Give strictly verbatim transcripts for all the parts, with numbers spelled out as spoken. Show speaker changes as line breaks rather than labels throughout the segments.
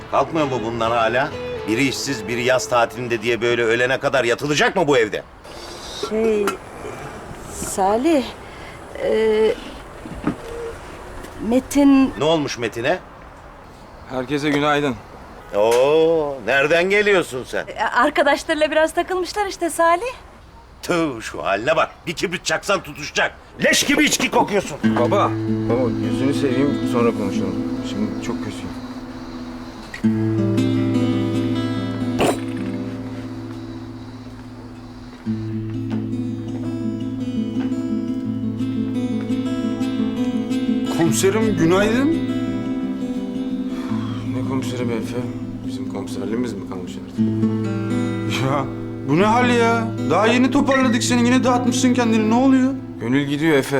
Kalkmıyor mu bundan hala? Biri işsiz, biri yaz tatilinde diye böyle ölene kadar yatılacak mı bu evde?
Şey... Salih... E, Metin...
Ne olmuş Metin'e?
Herkese günaydın.
Oo, nereden geliyorsun sen?
e, Arkadaşlarıyla biraz takılmışlar işte Salih.
Tüh, şu haline bak. Bir kibrit çaksan tutuşacak. Leş gibi içki kokuyorsun.
Baba, baba yüzünü seveyim sonra konuşalım. Şimdi çok kötüyüm.
Komiserim günaydın.
Ne komiseri be Efe? Bizim komiserliğimiz mi kalmış artık?
Ya bu ne hal ya? Daha yeni toparladık seni, yine dağıtmışsın kendini. Ne oluyor?
Gönül gidiyor Efe.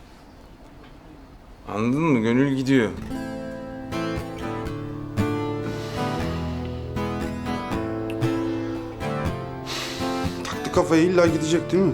Anladın mı? Gönül gidiyor.
Taktı kafayı, illa gidecek değil mi?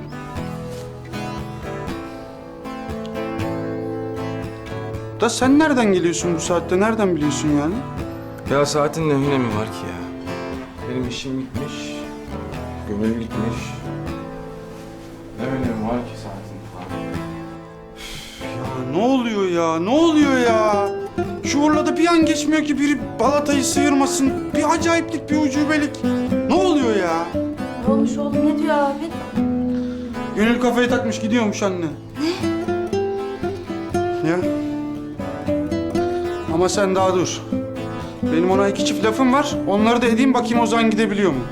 Da sen nereden geliyorsun bu saatte? Nereden biliyorsun yani?
Ya saatin ne önemi var ki ya? Benim işim gitmiş. Gönül gitmiş. Ne önemi var ki saatin falan?
Ya ne oluyor ya? Ne oluyor ya? Şu Urla'da bir an geçmiyor ki biri balatayı sıyırmasın. Bir acayiplik, bir ucubelik. Ne oluyor ya?
Ne olmuş oğlum, ne diyor abi?
Gönül kafayı takmış gidiyormuş anne. Ne? Ya. Ama sen daha dur. Benim ona iki çift lafım var. Onları da edeyim, bakayım Ozan gidebiliyor mu?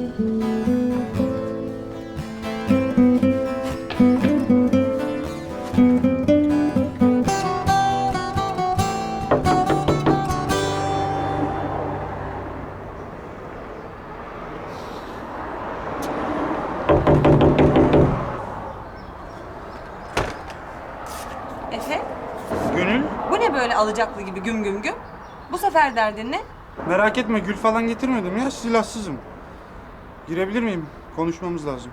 Efe,
Gönül,
bu ne böyle alacaklı gibi güm güm güm? Bu sefer derdin ne?
merak etme, gül falan getirmedim ya. Silahsızım. Girebilir miyim? Konuşmamız lazım.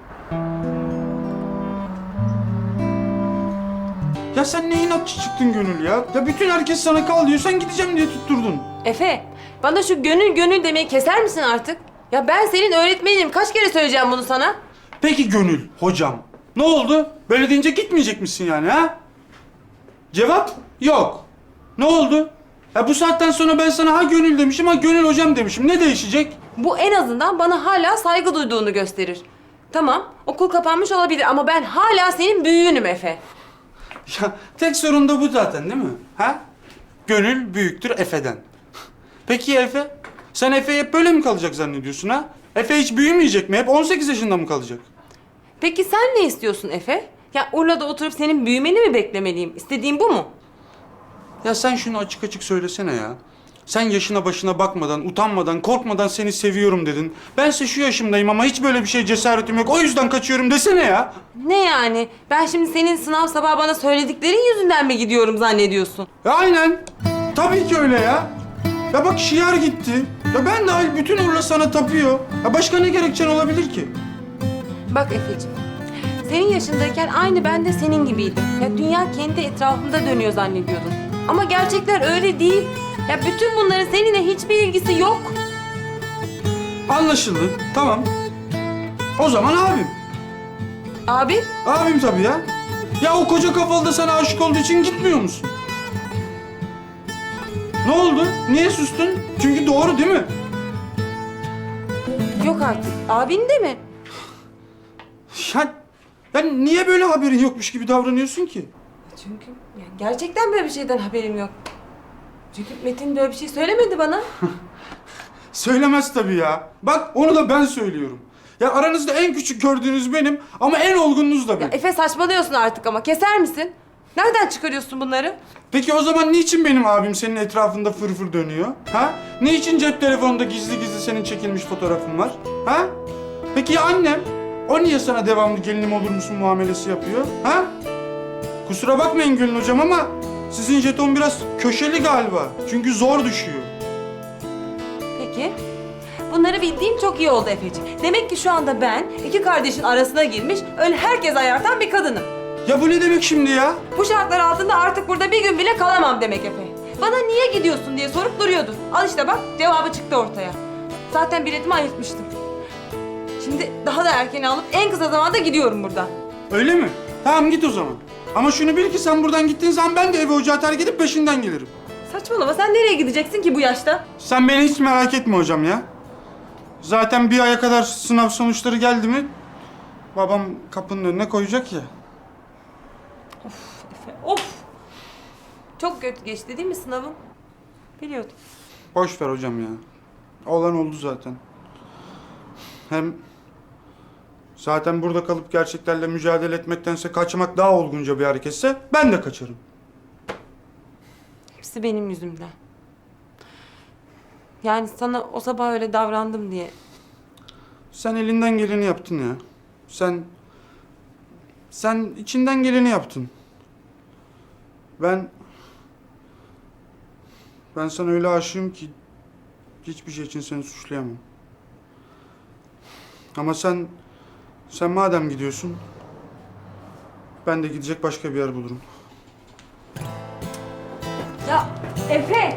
Ya sen ne inatçı çıktın Gönül ya? Ya bütün herkes sana kal diyor, sen gideceğim diye tutturdun.
Efe, bana şu gönül gönül demeyi keser misin artık? Ya ben senin öğretmeninim. Kaç kere söyleyeceğim bunu sana?
Peki Gönül, hocam. Ne oldu? Böyle deyince gitmeyecek misin yani ha? Cevap yok. Ne oldu? Ya bu saatten sonra ben sana ha Gönül demişim, ha Gönül hocam demişim. Ne değişecek?
Bu en azından bana hala saygı duyduğunu gösterir. Tamam, okul kapanmış olabilir ama ben hala senin büyüğünüm Efe.
Ya tek sorun da bu zaten değil mi? Ha? Gönül büyüktür Efe'den. Peki ya Efe? Sen Efe hep böyle mi kalacak zannediyorsun ha? Efe hiç büyümeyecek mi? Hep on sekiz yaşında mı kalacak?
Peki sen ne istiyorsun Efe? Ya Urla'da oturup senin büyümeni mi beklemeliyim? İstediğin bu mu?
Ya sen şunu açık açık söylesene ya. Sen yaşına başına bakmadan, utanmadan, korkmadan seni seviyorum dedin. Bense şu yaşımdayım ama hiç böyle bir şey cesaretim yok. O yüzden kaçıyorum desene ya.
Ne yani? Ben şimdi senin sınav sabahı bana söylediklerin yüzünden mi gidiyorum zannediyorsun?
Ya aynen. Tabii ki öyle ya. Ya bak şiar gitti. Ya ben dahil bütün Urla sana tapıyor. Ya başka ne gerekçen olabilir ki?
Bak Efeciğim, senin yaşındayken aynı ben de senin gibiydim. Ya dünya kendi etrafında dönüyor zannediyordum. Ama gerçekler öyle değil. Ya bütün bunların seninle hiçbir ilgisi yok.
Anlaşıldı. Tamam. O zaman abim.
Abi,
Abim tabii ya. Ya o koca kafalı da sana aşık olduğu için gitmiyor musun? Ne oldu? Niye sustun? Çünkü doğru değil mi?
yok artık. Abin de mi?
Ya, ya niye böyle haberin yokmuş gibi davranıyorsun ki?
Çünkü ya gerçekten böyle bir şeyden haberim yok. Çünkü Metin böyle bir şey söylemedi bana.
Söylemez tabii ya. Bak onu da ben söylüyorum. Ya aranızda en küçük gördüğünüz benim ama en olgununuz da
Ya
benim.
Efe saçmalıyorsun artık ama keser misin? Nereden çıkarıyorsun bunları?
Peki o zaman niçin benim abim senin etrafında fırfır dönüyor? Ha? Niçin cep telefonunda gizli gizli senin çekilmiş fotoğrafın var? Ha? Peki ya annem? O niye sana devamlı gelinim olur musun muamelesi yapıyor? Ha? Kusura bakmayın Gülün hocam ama sizin jeton biraz köşeli galiba. Çünkü zor düşüyor.
Peki. Bunları bildiğim çok iyi oldu Efeciğim. Demek ki şu anda ben iki kardeşin arasına girmiş, öyle herkes ayartan bir kadınım.
Ya bu ne demek şimdi ya?
Bu şartlar altında artık burada bir gün bile kalamam demek Efe. Bana niye gidiyorsun diye sorup duruyordun. Al işte bak cevabı çıktı ortaya. Zaten biletimi ayırtmıştım. Şimdi daha da erken alıp en kısa zamanda gidiyorum buradan.
Öyle mi? Tamam git o zaman. Ama şunu bil ki sen buradan gittiğin zaman ben de evi ocağı terk edip peşinden gelirim.
Saçmalama, sen nereye gideceksin ki bu yaşta?
Sen beni hiç merak etme hocam ya. Zaten bir aya kadar sınav sonuçları geldi mi babam kapının önüne koyacak ya.
Efe, of! Çok kötü geçti değil mi sınavın? Biliyordum.
Boş ver hocam ya. Olan oldu zaten. Hem zaten burada kalıp gerçeklerle mücadele etmektense kaçmak daha olgunca bir hareketse ben de kaçarım.
Hepsi benim yüzümden. Yani sana o sabah öyle davrandım diye.
Sen elinden geleni yaptın ya. Sen sen içinden geleni yaptın. Ben ben sana öyle aşığım ki hiçbir şey için seni suçlayamam. Ama sen sen madem gidiyorsun ben de gidecek başka bir yer bulurum.
Ya Efe!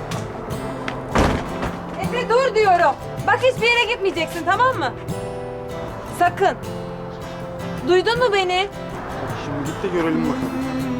Efe dur diyorum. Bak hiçbir yere gitmeyeceksin, tamam mı? Sakın. Duydun mu beni?
Şimdi git de görelim bakalım.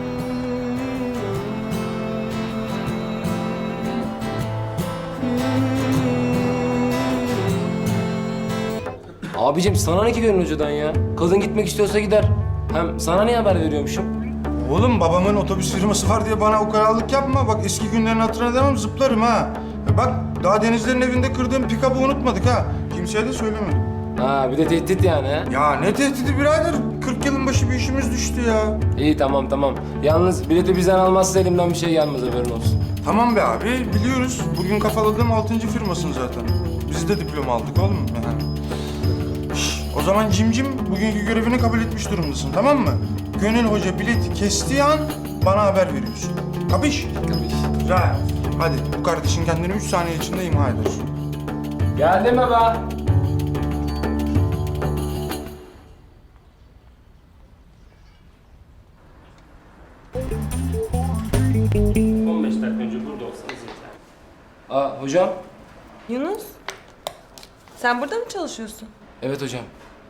Abicim sana ne ki Gönül Hoca'dan ya? Kadın gitmek istiyorsa gider. Hem sana niye haber veriyormuşum?
Oğlum babamın otobüs firması var diye bana ukalalık yapma. Bak eski günlerin hatırına demem zıplarım ha. Ya bak daha Denizler'in evinde kırdığım pikabı unutmadık ha. Kimseye de söylemedim.
Ha bir de tehdit yani ha?
Ya ne tehdidi birader? kırk yılın başı bir işimiz düştü ya.
İyi tamam tamam. Yalnız bileti bizden almazsa elimden bir şey gelmez haberin olsun.
Tamam be abi biliyoruz. Bugün kafaladığım altıncı firmasın zaten. Biz de diploma aldık oğlum. Yani. Şş, o zaman Cimcim bugünkü görevini kabul etmiş durumdasın tamam mı? Gönül Hoca bileti kestiği an bana haber veriyorsun. Kapış?
Kapış.
Güzel. Hadi bu kardeşin kendini üç saniye içinde imha eder.
Geldim baba. on beş dakika önce burada olsanız yeter. Aa hocam.
Yunus, sen burada mı çalışıyorsun?
Evet hocam.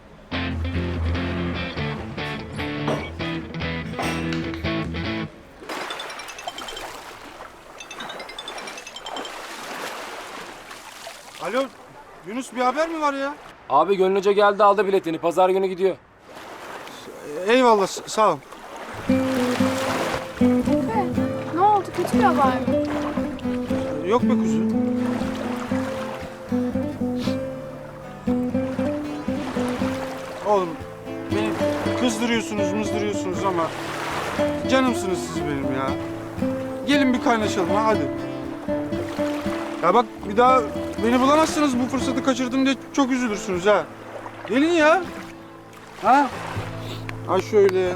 Alo Yunus bir haber mi var ya?
Abi Gönül Hoca geldi aldı biletini. Pazar günü gidiyor.
Eyvallah s- sağ ol.
Ne oldu? Kötü bir haber mi?
Yok be kuzu. Oğlum beni kızdırıyorsunuz mızdırıyorsunuz ama canımsınız siz benim ya. Gelin bir kaynaşalım ha hadi. Ya bak bir daha beni bulamazsınız bu fırsatı kaçırdım diye çok üzülürsünüz ha. Gelin ya. Ha? Ha şöyle.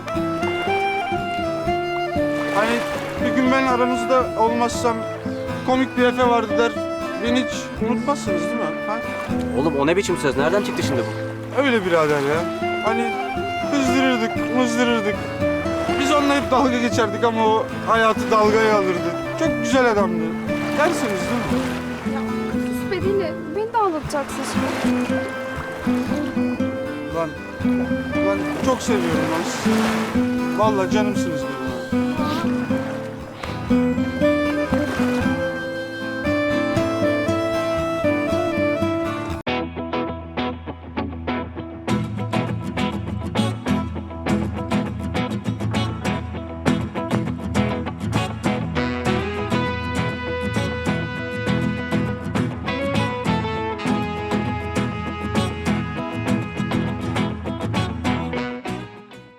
Hani bir gün ben aranızda olmazsam komik bir Efe vardı der. Beni hiç unutmazsınız değil mi? Ha?
Oğlum o ne biçim söz? Nereden çıktı şimdi bu?
Öyle birader ya. Hani kızdırırdık, mızdırırdık. Biz onunla hep dalga geçerdik ama o hayatı dalgaya alırdı. Çok güzel adamdı. Dersiniz değil mi?
Ya sus be değil. Beni de ağlatacaksın şimdi.
Lan, lan çok seviyorum lan sizi. Vallahi canımsınız be.